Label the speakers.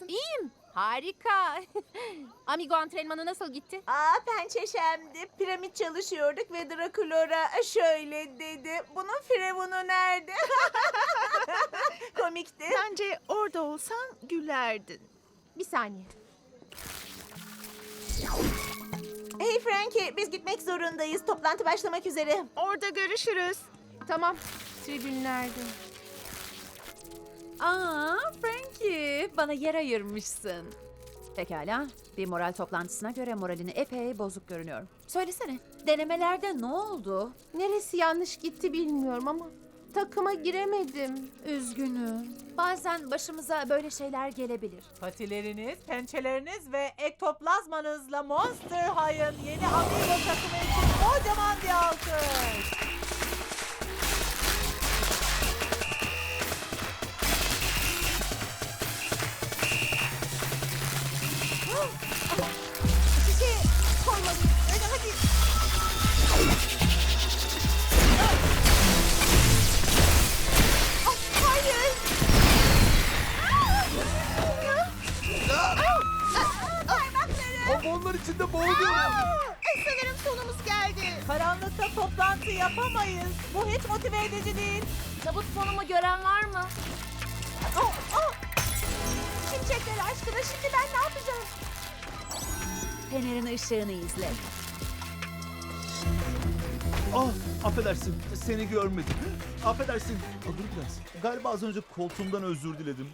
Speaker 1: İyiyim. Harika. Amigo antrenmanı nasıl gitti?
Speaker 2: Pençeşemdi. Piramit çalışıyorduk ve Drakulora şöyle dedi. Bunun firavunu nerede? Komikti.
Speaker 3: Bence orada olsan gülerdin.
Speaker 1: Bir saniye.
Speaker 2: Hey Frankie, biz gitmek zorundayız. Toplantı başlamak üzere.
Speaker 3: Orada görüşürüz.
Speaker 1: Tamam. Tribünlerde.
Speaker 4: Frankie, bana yer ayırmışsın. Pekala, bir moral toplantısına göre moralini epey bozuk görünüyor. Söylesene, denemelerde ne oldu?
Speaker 1: Neresi yanlış gitti bilmiyorum ama takıma giremedim.
Speaker 4: Üzgünüm. Bazen başımıza böyle şeyler gelebilir.
Speaker 5: Patileriniz, pençeleriniz ve ektoplazmanızla Monster High'ın yeni Amigo takımı için kocaman bir alkış.
Speaker 2: Şişe koymalıyım. Öyle hadi. Hayır.
Speaker 6: Hormonlar içinde boğuluyorum.
Speaker 3: Sanırım sonumuz geldi.
Speaker 5: Karanlıkta toplantı yapamayız. Bu hiç motive edici değil.
Speaker 1: Tabut sonumu gören var mı?
Speaker 2: Şimşekler aşkına şimdi ben ne yapacağım?
Speaker 4: Fenerin ışığını izle.
Speaker 6: Affedersin, seni görmedim. Affedersin. Dur biraz. Galiba az önce koltuğumdan özür diledim.